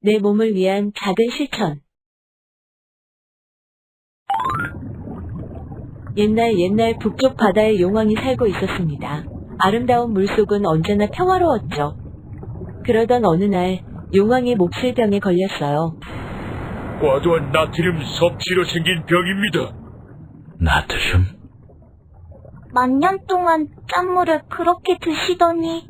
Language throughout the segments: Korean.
내 몸을 위한 작은 실천. 옛날 북쪽 바다에 용왕이 살고 있었습니다. 아름다운 물속은 언제나 평화로웠죠. 그러던 어느 날 용왕이 몹쓸병에 걸렸어요. 과도한 나트륨 섭취로 생긴 병입니다. 나트륨? 만년 동안 짠물을 그렇게 드시더니.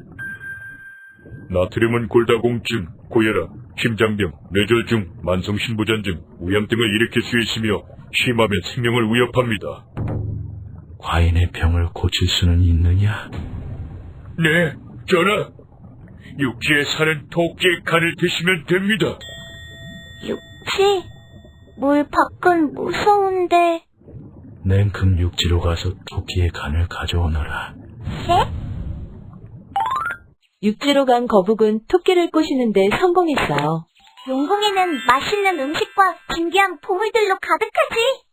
나트륨은 골다공증, 고혈압, 심장병, 뇌졸중, 만성신부전증, 우염 등을 일으킬 수 있으며 심하면 생명을 위협합니다. 과인의 병을 고칠 수는 있느냐? 네, 전하. 육지에 사는 토끼의 간을 드시면 됩니다. 육지? 물 밖은 무서운데. 냉큼 육지로 가서 토끼의 간을 가져오너라. 네? 육지로 간 거북은 토끼를 꼬시는데 성공했어요. 용궁에는 맛있는 음식과 신기한 보물들로 가득하지.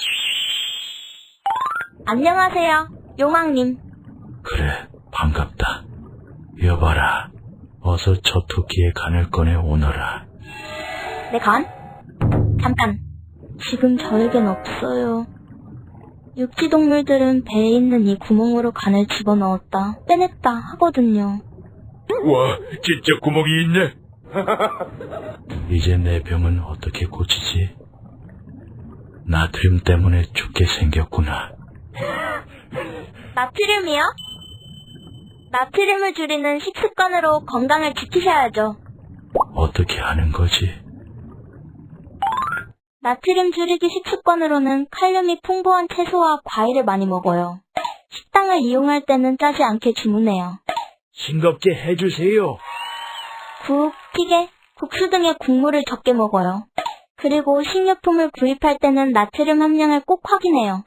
안녕하세요, 용왕님. 그래, 반갑다. 여봐라, 어서 저 토끼의 간을 꺼내 오너라. 내 간? 잠깐. 지금 저에겐 없어요. 육지 동물들은 배에 있는 이 구멍으로 간을 집어넣었다 빼냈다 하거든요. 와, 진짜 구멍이 있네. 이제 내 병은 어떻게 고치지? 나트륨 때문에 죽게 생겼구나. 나트륨이요? 나트륨을 줄이는 식습관으로 건강을 지키셔야죠. 어떻게 하는 거지? 나트륨 줄이기 식습관으로는 칼륨이 풍부한 채소와 과일을 많이 먹어요. 식당을 이용할 때는 짜지 않게 주문해요. 싱겁게 해주세요. 국, 찌개, 국수 등의 국물을 적게 먹어요. 그리고 식료품을 구입할 때는 나트륨 함량을 꼭 확인해요.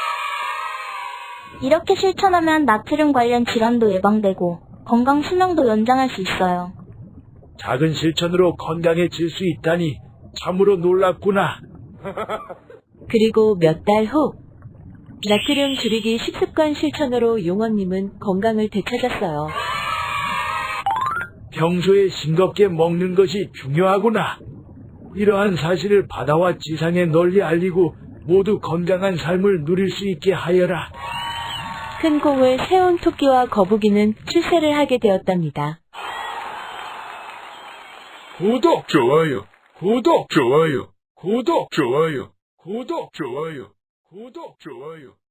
이렇게 실천하면 나트륨 관련 질환도 예방되고 건강 수명도 연장할 수 있어요. 작은 실천으로 건강해질 수 있다니 참으로 놀랍구나. 그리고 몇 달 후, 나트륨 줄이기 식습관 실천으로 용왕님은 건강을 되찾았어요. 평소에 싱겁게 먹는 것이 중요하구나. 이러한 사실을 바다와 지상에 널리 알리고 모두 건강한 삶을 누릴 수 있게 하여라. 큰 공을 세운 토끼와 거북이는 출세를 하게 되었답니다. 구독, 좋아요, 구독, 좋아요, 구독, 좋아요, 구독, 좋아요, 구독, 좋아요.